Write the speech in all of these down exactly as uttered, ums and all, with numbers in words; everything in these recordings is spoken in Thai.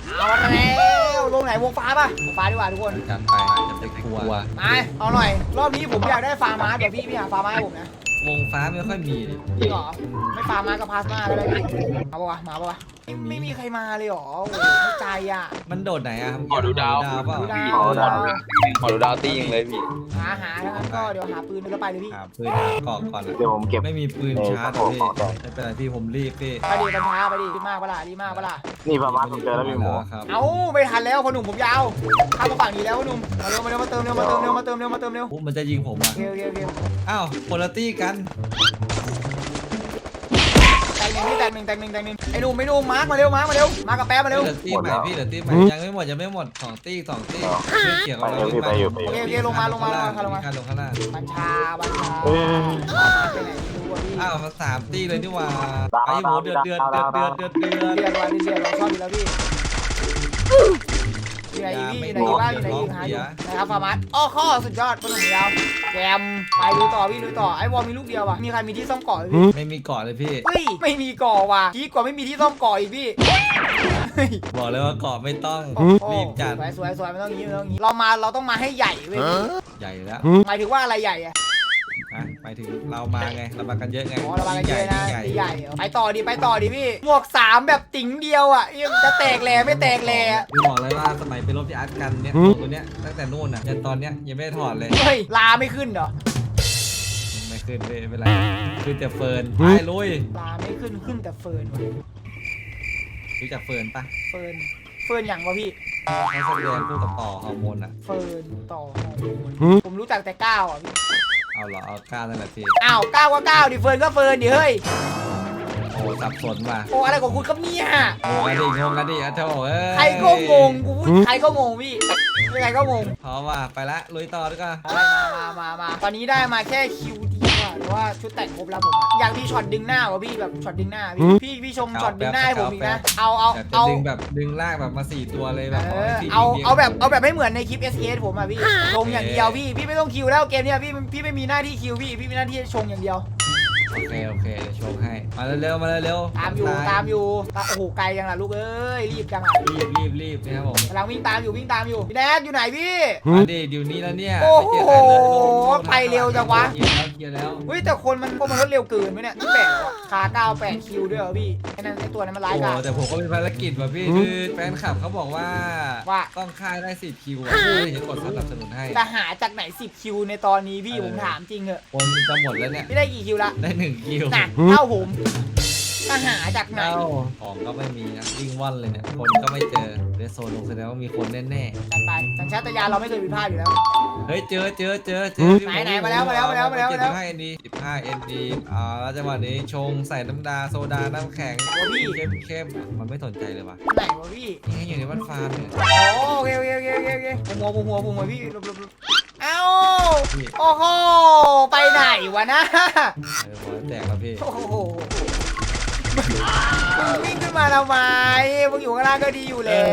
เอาแล้วลงไหนวงฟ้าป่ะวงฟ้าดีกว่าทุกคนจัดไปจะไปกลัวมาเอาหน่อยรอบนี้ผมอยากได้ฟาร์มาเดี๋ยวพี่พี่หาฟาร์มาให้ผมนะวงฟ้าไม่ค่อยมีเลยจริงเหรอไม่ฟาร์มากับพาสมาก็ได้มาปะวะมาปะวะไม่ไม่มีใครมาเลยหรอโอ้ไม่ใจอ่ะมันโดดไหนอ่ะขอดูดาวดาวเปล่าดูดาวขอดูดาวขอดูดาวตียิงเลยพี่หาหาแล้วก็เดี๋ยวหาปืนแล้วไปเลยพี่หาปืนหากอกก่อนเดี๋ยวผมเก็บไม่มีปืนชาร์จพี่ไม่เป็นไรพี่ผมรีบพี่ไปดิกัญชาไปดิรีบมากปะล่ะรีบมากปะล่ะนี่ประมาณผมเจอแล้วพี่หมูครับเอ้าไม่ทันแล้วพอหนุ่มผมยาวข้ามมาฝั่งนี้แล้วพอหนุ่มมาเร็วมาเร็วมาเติมเร็วมาเติมเร็วมาเติมเร็วมาเติมเร็วปุ๊บมันจะยิงผมอ่ะเร็วเร็วเร็วอ้าวคนละตี้กันแตกหนึ่งพี่แตกหนึ่งแตกหนึ่งแตกหนึ่งไอ้หนุ่มไอ้หนุ่มมาร์กมาเร็วมาร์กมาเร็วมากับแป๊บมาเร็วเหลือตี้ใหม่พี่เหลือตี้ใหม่ยังไม่หมดยังไม่หมดสองตี้สองตี้เขียวไปเร็วพี่ไปอยู่ไปอโอยู่ เคโอเคลงมาลงมาลงมาลงมาลงข้างล่างบัญชาบัญชาเอ้ยไปไหนไม่รู้อ่ะพี่อ้าวมาสามตี้เลยนี่หว่าไอ้หมูเดือดเดือดเดือดเดือดเดือดเดือดเรียนว่าเรียนเราชอบอยู่แล้วพี่อยู่ไหนอีพี่อยู่ไหนอีบ้างอยู่ไหนอีหาอยู่นะครับฟาร์มัสอ้อข้อสุดยอดคนหนุ่มยาวแจมไปดูต่อพี่ดูต่อไอ้วอลมีลูกเดียวว่ะมีใครมีที่ซ่อมเกาะไหมพี่ไม่มีเกาะเลยพี่เฮ้ยไม่มีเกาะว่ะพี่กว่าไม่มีที่ซ่อมเกาะอีกพี่บอกเลยว่าเกาะไม่ต้องโอ้โหรีบจัดสวยสวยสวยไม่ต้องงี้ไม่ต้องงี้เรามาเราต้องมาให้ใหญ่เว้ยใหญ่แล้วหมายถึงว่าอะไรใหญ่อะอ่ะไปถึงเรามาไงเรามากันเยอะไงอ๋อเรามากันเยอะนะยิ่งใหญ่ใหญ่เหรอไปต่อดิไปต่อดิพี่หมวกสามแบบติ๋งเดียวอ่ะยังจะแตกแหล่ไม่แตกแหล่พี่บอกเลยว่าสมัยไปรบที่อาร์ตกันเนี่ยตัวเนี้ยตั้งแต่นู่นน่ะยันตอนเนี้ยยังไม่ได้ถอดเลยเฮ้ยลาไม่ขึ้นเหรอไม่ขึ้นเลยไม่เป็นไรขึ้นแต่เฟิร์นไปลุยลาไม่ขึ้นขึ้นแต่เฟิร์นว่ะรู้จักเฟิร์นปะเฟิร์นเฟิร์นอย่างวะพี่เขาแสดงคู่กับต่อฮอร์โมนอ่ะเฟิร์นต่อฮอร์โมนผมรู้จักแต่ก้าวอ่ะพี่เอาเหรอเอาก้าวนั่นแหละพี่อ้าวก้าวก็ก้าวดิเฟิร์นก็เฟิร์นดิเฮ้ยโอ้สับสนว่ะโอ้อะไรของคุณครับเนี่ยงงกันดิงงกันดิอ่ะเจ้าเอ้ยใครก็งงกูพูดใครก็งงพี่ใครก็งงพร้อมว่ะไปละลุยต่อดีกว่ามามามามาตอนนี้ได้มาแค่คิวดีว่ะแต่ว่าชุดแต่งครบแล้วผมอะอยากมีช็อตดึงหน้าวะพี่แบบช็อตดึงหน้าพี่พี่พี่ชมช็อตดึงหน้าให้ผมอีกนะเอาเอาอยากจะเอาดึงแบบดึงลากแบบมาสี่ตัวเลยแบบเอให้อพี่เอายิงเอาแบบเอาแบบไม่เหมือนในคลิป เอส เอส ผมอ่ะพี่ชงอย่างเดียวพี่พี่ไม่ต้องคิวแล้วเกมเนี้ยพี่พี่ไม่มีหน้าที่คิวพี่พี่มีหน้าที่ชงอย่างเดียวโอเคโอเคเดี๋ยวโชว์ให้มาเร็วๆมาเร็วๆตามอยู่ตามอยู่ตาโอ้โหไกลจังล่ะลูกเอ้ยรีบจังอ่ะรีบรีบรีบนะครับผมกำลังวิ่งตามอยู่วิ่งตามอยู่พี่แดกอยู่ไหนพี่มาดิเดี๋ยวนี้แล้วเนี่ยโอ้โหไม่เจอกันเลยลงไปเร็วจังวะเคลียร์แล้วเคลียร์แล้วเฮ้ยแต่คนมันคนมันรถเร็วเกินไหมเนี่ยนี่แปดแล้วอะคาเก้าแปดคิวด้วยเหรอพี่ไอ้นั่นไอ้ตัวนั้นมันร้ายโอ้กาจแต่ผมก็มีภารกิจว่ะพี่คือแฟนคลับเขาบอกว่าว่าต้องค่ายได้สิบคิวอ่ะพี่จะกดสนับสนุนให้จะหาจากไหนสิบคิวในตอนนี้พี่ผมถามจริงเหอะคนจะหมดแล้วเนี่ยพี่ได้กี่คิวละได้หนึ่งคิวน่ะเท่าผมจะหาจากไหนเอ้าของก็ไม่มีนะวิ่งว่อนเลยเนี่ยคนก็ไม่เจอเรสโซนลงแสดงว่ามีคนแน่กันไปสัญชาตญาณเราไม่เคยผิดพลาดอยู่แล้วๆเฮ้ยเจอเจอเจอเจอไหนไหนมาแล้วมาแล้วมาแล้วมาแล้วเจ็ดสิบห้าเอ็นดีสิบห้าเอ็นดีอ่าแล้วจังหวะนี้ชงใส่น้ำดาโซดาน้ำแข็งโอ้พี่เข้มเข้มมันไม่สนใจเลยว่ะไหนวะพี่นี่อยู่ในบ้านฟาร์มเนี่ยโอ้โอเคโอเคโอเคโอเคโอเคผมหัวผมหัวผมหัวพี่หลบหลบหลบเอ้าโอ้โหไปไหนวะนะเออหัวแตกแล้วพี่โอ้โหมึงวิ่งขึ้นมาทำไมมึงอยู่ข้างล่างก็ดีอยู่แล้ว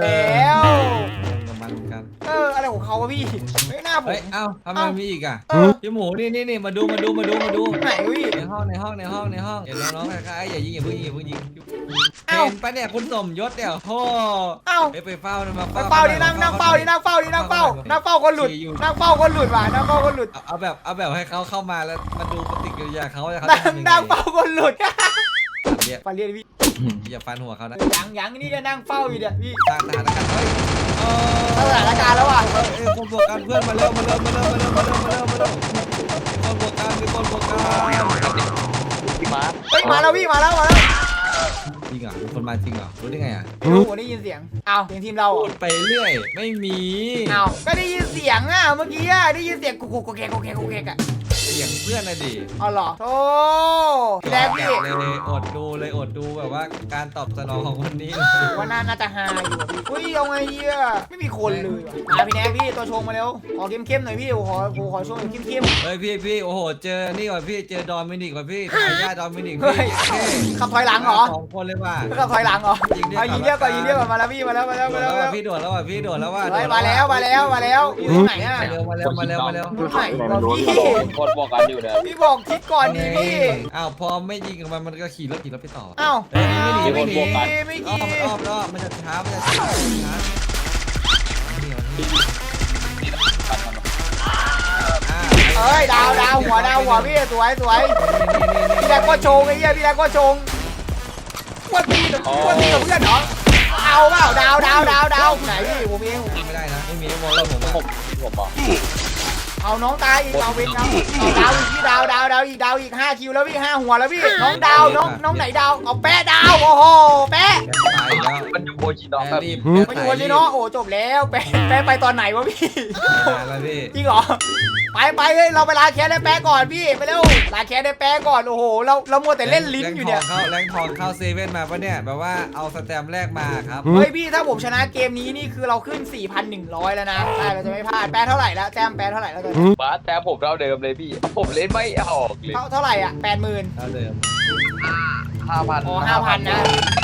กับมันเหมือนกันเอออะไรของเขาวะพี่ไม่น่าผมเฮ้ยเอ้าทำไมมีอีกอ่ะเออพี่หมูนี่นี่นี่มาดูมาดูมาดูมาดูไหนวะพี่ในห้องในห้องในห้องในห้องเดี๋ยวน้องๆคล้ายๆอย่ายิงอย่าเพิ่งยิงอย่าเพิ่งยิงเอ้าเห็นปะเนี่ยคุณสมยศเดี๋ยวโธ่เอ้าไปไปเฝ้านะมาไปเฝ้าดินั่งนั่งเฝ้าดินั่งเฝ้าดินั่งเฝ้านั่งเฝ้าคนหลุดนั่งเฝ้าคนหลุดว่ะนั่งเฝ้าคนหลุดเอาเอาแบบเอาแบบให้เขาเข้ามาแล้วมาดูปฏิกิริยาเขาว่าเขานั่จะงทำยังไงนั่งเฝ้าคนหลุดเรียกไปเรียกพี่อย่าฟันหัวเขานะยังยังนี่จะนั่งเฝ้าอยู่เนี่ยพี่สร้างสถานการณ์เฮ้ยเออสถานการณ์แล้วว่ะเอ้ยคนบวกกันเพื่อนมาเร็วมาเร็วมาเร็วมาเร็วมาเร็วมาเร็วมาเร็วคนบวกกันมีคนบวกกันพี่มาร์คเฮ้ยมาแล้วพี่มาแล้วมาแล้วจริงเหรอมีคนมาจริงเหรอรู้ได้ไงอ่ะไม่รู้ผมได้ยินเสียงอ้าวเสียงทีมเราพูอ่ะดไปเรื่อยไม่มีอ้าวก็ได้ยินเสียงอ่ะเมื่อกี้อ่ะได้ยินเสียงกุกกุกกุกแกกุกแกกุกแกอ่ะเสียงเพื่อนนะดิอ๋อเหรอโอ้พี่แดกพี่เลยอดดูเลยอดดูแบบว่าการตอบสนองของคนนี้ว่าน่าน่าจะฮาอยู่อะพี่อุ้ยเอาไงเฮียไม่มีคนเลยว่ะมาพี่แดกพี่ตัวชงมาเร็วขอเข้มๆหน่อยพี่ขอขอชงแบบเข้มๆเฮ้ยพี่พี่โอ้โหเจอนี่ก่อนพี่เจอดอมินิกก่อนพี่ทายาทดอมินิกเฮ้พี่ยเท่ขับถอยหลังเหรอสองคนเลยว่ะขับถอยหลังเหรอยิงเรียกเอายิงเรียกก่อนยิงเรียกก่อนมาแล้วพี่มาแล้วมาแล้วโดมาดแล้แล้ว วมาว่ะพี่โดดแล้วว่ะพี่โดดแล้วว่ะเฮ้ยมาแล้วมาแล้วมาแล้วอยู่ตรงไหนอ่ะมาเร็วมาเร็วมาเร็วมาเร็วตรงไหนวะพี่กดวอบอกกันอยู่นะพี่บอกคิดก่อนดีพี่อ้าวพอไม่ยิงกับมันมันก็ขี่รถขี่รถไปต่ออ้าวเฮ้ยไม่หนีไม่หนีไม่อ้อกี่มมันอ้อมอ้อมมันจะช้ามันจะช้าช้านี่มันนี่อ่าเอ้ยดาวดาวหัวดาวหัวพี่สวยสวยพี่แดกก็โชงไอ้เหี้ยพี่แดกก็โชงกวนตีกับกวนตีกับเพื่อนเหรอเอาเปล่าดาวดาวดาวดาวไหนพี่ผมเองไม่ได้นะไม่มีมองเราผมผมผมบอกเอาน้องตายอีกเอาเป็นเอาเอาดาวอีกพี่ดาวดาวดาวอีกดาวอีกห้าคิวแล้วพี่ห้าหัวแล้วพี่น้องดาวน้องน้องไหนดาวเอาแปะดาวโอ้โหแปะตายแล้วมันอยู่โบชิโนะแบบรีบมาอยู่วันนี้เนาะโอ้จบแล้วแปะแปะไปตอนไหนวะพี่แล้วพี่จริงเหรอไปไปเฮ้ยเราไปลาแคสได้แปะก่อนพี่ไปเร็วลาแคสได้แปะก่อนโอ้โหเราเรามัวแต่เล่นลิ้นอยู่เนี่ยเข้าแรงทองเข้าเซเว่นมาปะเนี่ยแบบว่าเอาสแตมป์แรกมาครับเฮ้ยพี่ถ้าผมชนะเกมนี้นี่คือเราขึ้น สี่พันหนึ่งร้อย แล้วนะใช่เราจะไม่พลาดแปะเท่าไหร่แล้วแต้มแปะเท่าไหร่แล้วตอนนี้บาสแต่ผมเท่าเดิมเลยพี่ ผมเล่นไม่ออกเลยเท่าเท่าไหร่อ่ะแปดหมื่นเท่าเดิมห้าพันอ๋อห้าพันนะ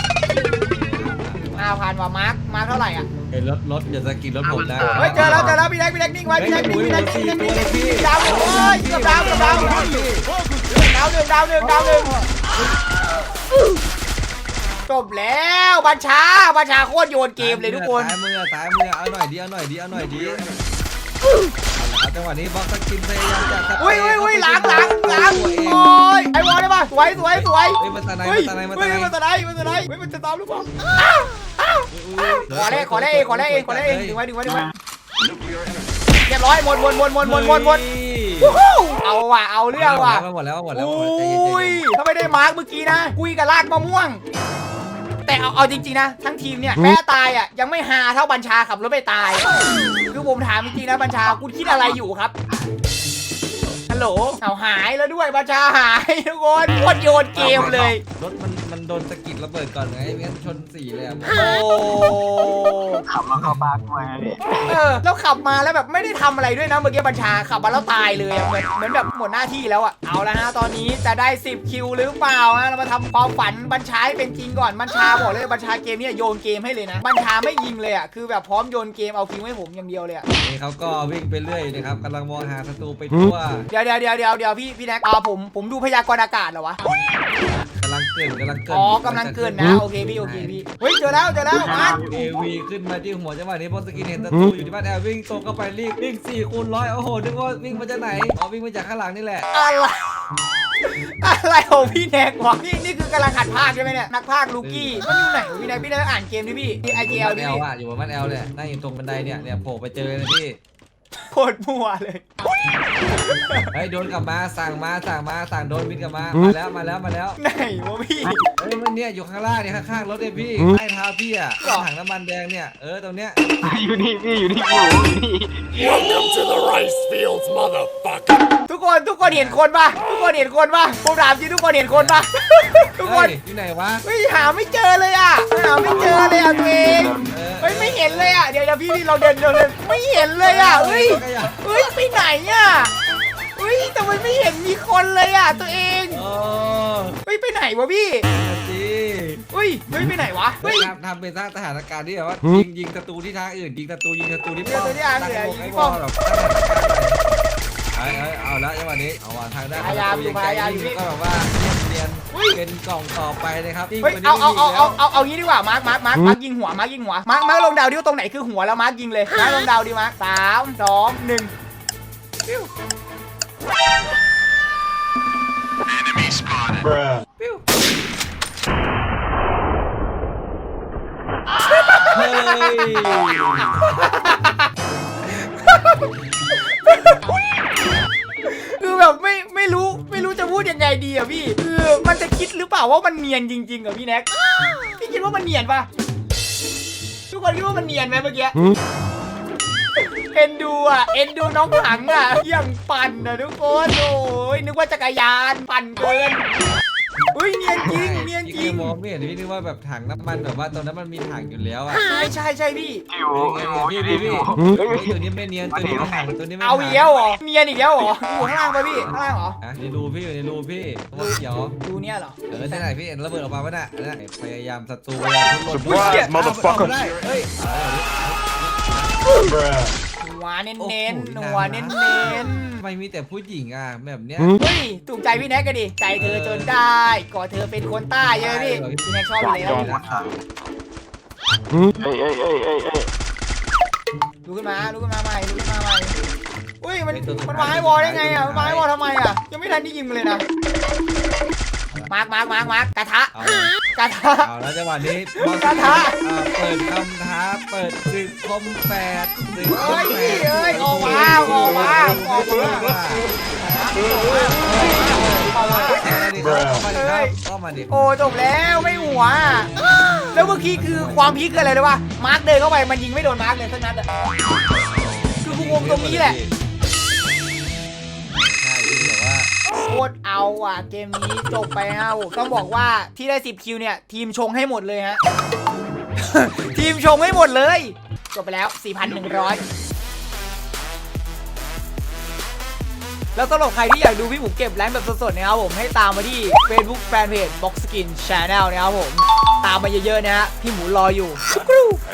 ห้าพันว่ะมาร์คมาร์คเท่าไหร่อ่ะเห็นรถรถอย่าสะกิดรถผมนะเฮ้ยเจอแล้วเจอแล้วพี่แดกพี่แดกนิ่งไว้พี่แดกนิ่งพี่แดกนิ่งพี่แดกนิ่งพี่ดาวหนึ่งโอ้ยกับดาวกับดาวดาวหนึ่งดาวหนึ่งดาวหนึ่งดาวหนึ่งจบแล้วบัญชาบัญชาโคตรโยนเกมเลยทุกคนซ้ายมือซ้ายมือเอาหน่อยดีเอาหน่อยดีเอาหน่อยดีเอาจังหวะนี้บล็อกสกินพยายามจะอุ้ยอุ้ยอุ้ยล้างล้างล้างโอ้ยไอ้บอลได้ปะสวยสวยสวยเฮ้ยมันตาไหนเฮ้ยมันตาไหนมันเฮ้ตาย ไหนมันตะไนมันตะไนเฮ้ยมันจะตามหรือเปล่าอ้าวอ้าวขอได้ขอได้เองขอได้เองขอได้เองดึงไว้ดึงไว้ดึงไว้เรียบร้อยหมดหมดหมดหมดหมดหมดหมดเอาว่ะเอาเรื่องว่ะหมดแล้วหมดแล้วอุ้ยถ้าไม่ได้มาร์กเมื่อกี้นะกุยกับลากมะม่วง แต่เอาเอาจริงๆนะทั้งทีมเนี่ยแม้ตายอ่ะยังไม่ฮาเท่าบัญชาขับรถไปตายคือผมถามจริงๆนะบัญชาคุณคิดอะไรอยู่ครับฮัลโหลเอาหายแล้วด้วยบัญชาหายทุกคนโคตรโยนเกมเลยรถมันมันโดนสกิดระเบิดก่อนไงไม่งั้นชนสี่เลยอ่ะโอ้ขับมาเข้าปากมาเนี่ยเออแล้วขับมาแล้วแบบไม่ได้ทำอะไรด้วยนะเมื่อกี้บัญชาขับมาแล้วตายเลยอะเหมือนเหมือนแบบหมดหน้าที่แล้วอ่ะเอาละฮะตอนนี้จะได้สิบคิวหรือเปล่าฮะเรามาทำความฝันบัญชาให้เป็นจริงก่อนบัญชาบอกเลยบัญชาเกมนี้โยนเกมให้เลยนะบัญชาไม่ยิงเลยอ่ะคือแบบพร้อมโยนเกมเอาคิวให้ผมอย่างเดียวเลยอ่ะนี่เขาก็วิ่งไปเรื่อยนะครับกำลังมองหาศัตรูไปทั่วเดี๋ยวเดี๋ยวเดี๋ยวเดี๋ยวเดี๋ยวพี่พี่แน็กอ่าผมผมดูพยากรณ์อากาศเหรอวะกำลังเกินกำลังเกินอ๋อกำลังเกินนะโอเคพี่โอเคพี่เฮ้ยเจอแล้วเจอแล้วมาร์คเอวีขึ้นมาที่หัวจังหวะนี้บอลสกินเห็นศัตรูอยู่ที่บ้านแอลวิ่งตรงเข้าไปรีบวิ่งสี่คูณร้อยโอ้โหนึกว่าวิ่งมาจากไหนอ๋อวิ่งมาจากข้างหลังนี่แหละอะไรอะไรของพี่แน็กวะนี่นี่คือกำลังหัดภาคใช่ไหมเนี่ยนักภาคลูกี้มันอยู่ไหนวะพี่แน็กพี่แน็กอ่านเกมดิพี่ไอเจลบ้านดิแอลพี่อ่ะอยู่บนบ้านแอลเนี่ยนั่งอยู่ตรงบันไดเนี่ยเนี่ยโผล่ไปเจอเลยพี่โคตรมั่วเลยเฮ้ยโดนกลับมาสั่งมาสั่งมาสั่งโดนบินกลับมามาแล้วมาแล้วมาแล้วไหนวะพี่เฮ้ยมันเนี่ยอยู่ข้างล่างเนี่ยข้างๆรถเนี่ยพี่ใต้เท้าพี่อ่ะถังน้ำมันแดงเนี่ยเออตรงเนี้ยอยู่นี่พี่อยู่นี่อยู่นี่ Welcome to the rice fields, motherfucker. ทุกคนทุกคนเห็นคนปะทุกคนเห็นคนปะผมถามจริงทุกคนเห็นคนปะทุกคนเฮ้ยที่ไหนวะเฮ้ยหาไม่เจอเลยอ่ะหาไม่เจอเลยอ่ะตัวเองเออเฮ้ยไม่เห็นเลยอ่ะเดี๋ยวเดี๋ยวพี่พี่เราเดินเราเดินไม่เห็นเลยอ่ะเฮ้ยเฮ้ยไปไหนอ่ะเฮ้ยทำไมไม่เห็นมีคนเลยอ่ะตัวเองโอ้เฮ้ยไปไหนวะพี่จีเฮ้ยเฮ้ยไปไหนวะเฮ้ยทำทำเป็นสร้างสถานการณ์ที่แบบว่ายิงยิงศัตรูที่ทางอื่นยิงศัตรูยิงศัตรูที่ป้อมตั้งวงไอ้บอลแบบไอ้ไอ้เอาละจังหวะนี้เอาว่าทางด้านก็แบบว่าเรียนเป็นกล่องต่อไปนะครับเฮ้ยเอาเอาเอาเอาเอาเอางี้ดีกว่ามาร์คมาร์คมาร์คมาร์คยิงหัวมาร์คยิงหัวมาร์คมาร์คลงดาวดิวตรงไหนคือหัวแล้วมาร์คยิงเลยมาร์คลงดาวดิมาร์คสามสองหนึ่งปิ้ว Bruh. ปิ้วเฮ้ยคือแบบไม่ไม่รู้ไม่รู้จะพูดยังไงดีอ่ะพี่คือมันจะคิดหรือเปล่าว่ามันเนียนจริงๆอ่ะพี่แน็กพี่คิดว่ามันเนียนปะทุกคนคิดว่ามันเนียนไหมเมื่อกี้เอ็นดูอ่ะเอ็นดูน้องถังอ่ะยังปั่นอ่ะทุกคนโอ้ยนึกว่าจักรยานปั่นเกินเฮ้ยเนียนจริงเนียนจริงมองไม่เห็นพี่นึกว่าแบบถังน้ำมันแบบว่าตอนนั้นมันมีถังอยู่แล้วอ่ะใช่ใช่ใช่พี่พี่พี่พี่ตัวนี้ไม่เนียนตัวนี้ไม่ถังตัวนี้ไม่เอาอีกแล้วเหรอเนียนอีกแล้วเหรออยู่ข้างล่างปะพี่ข้างล่างเหรอในรูพี่อยู่ในรูพี่ว่าเขียวดูเนี่ยเหรอเออที่ไหนพี่เห็นระเบิดออกมาป่ะน่ะพยายามศัตรูพยายามทุบ Surprise, motherfucker. เฮ้ย Bruh. หัวเน้นเน้นหัวเน้นเน้นทำไมมีแต่ผู้หญิงอ่ะแบบเนี้ยเฮ้ยถูกใจพี่แน็กกันดิใจเธอจนได้ก่อเธอเป็นคนใต้เยอะพี่พี่แน็กชอบอยู่แล้วเอ้ยเอ้ยเอ้ยเอ้ยเอ้ยลุกขึ้นมาลุกขึ้นมาใหม่ลุกขึ้นมาใหม่อุ้ยมันมันมาให้วอลได้ไงอ่ะมันมาให้วอลทำไมอ่ะยังไม่ทันได้ยิงมันเลยนะมาร์กมาร์กมาร์กมาร์กกระทะเอากระทะเอาแล้วจังหวะนี้กระทะอ่าเปิดคำท้าเปิดศึกคมแปดศึกคเอ้มยแปพี่ดเอ้ยออกมาออกมาออกมาออกมาเข้ามาดิครับเข้ามาดิครับโอ้จบแล้วไม่หัว แล้วเมื่อกี้คือความพีคคืออะไรเลยว่ามาร์กเดินเข้าไปมันยิงไม่โดนมาร์กเลยสักนัดอะคือกูงงตรงนี้แหละใช่ที่แบบว่าโคตรเอาอ่ะเกมนี้จบไปฮะผมต้องบอกว่าที่ได้สิบคิวเนี่ยทีมชงให้หมดเลยฮะ ทีมชงให้หมดเลยจบไปแล้ว สี่พันหนึ่งร้อย แล้วสำหรับใครที่อยากดูพี่หมูเก็บแรงค์แบบสดๆนะครับผมให้ตามมาที่ Facebook Fanpage Box Skin Channel นะครับผมตามมาเยอะๆนะฮะพี่หมูรออยู่